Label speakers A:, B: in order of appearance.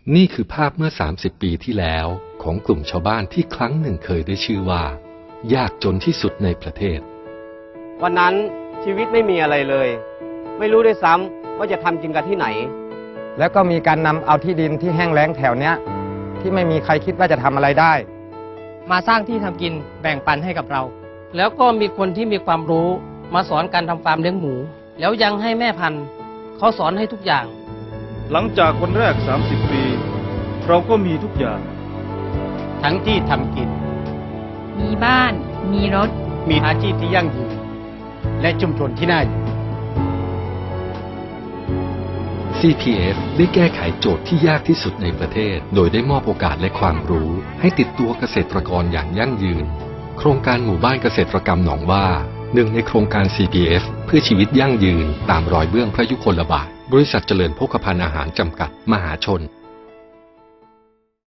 A: นี่คือภาพเมื่อ30 ปีที่แล้วของกลุ่มชาวบ้านที่ครั้งหนึ่งเคยได้ชื่อว่ายากจนที่สุดในประเทศ
B: วันนั้นชีวิตไม่มีอะไรเลยไม่รู้ด้วยซ้ำว่าจะทำกินกันที่ไหน
C: แล้วก็มีการนำเอาที่ดินที่แห้งแล้งแถวเนี้ยที่ไม่มีใครคิดว่าจะทำอะไรได้
D: มาสร้างที่ทำกินแบ่งปันให้กับเราแล้วก็มีคนที่มีความรู้มาสอนการทำฟาร์มเลี้ยงหมูแล้วยังให้แม่พันธุ์เขาสอนให้ทุกอย่าง
E: หลังจากวันแรก30 ปีเราก็มีทุกอย่าง
F: ทั้งที่ทำกิน
G: มีบ้านมีรถ
F: มีอาชีพที่ยั่งยืนและชุมชนที่น่าอยู่
A: CPF ได้แก้ไขโจทย์ที่ยากที่สุดในประเทศโดยได้มอบโอกาสและความรู้ให้ติดตัวเกษตรกรอย่างยั่งยืนโครงการหมู่บ้านเกษตรกรรมหนองว่าหนึ่งในโครงการ CPF เพื่อชีวิตยั่งยืนตามรอยเบื้องพระยุคลบาทบริษัทเจริญโภคภัณฑ์อาหารจำกัดมหาชน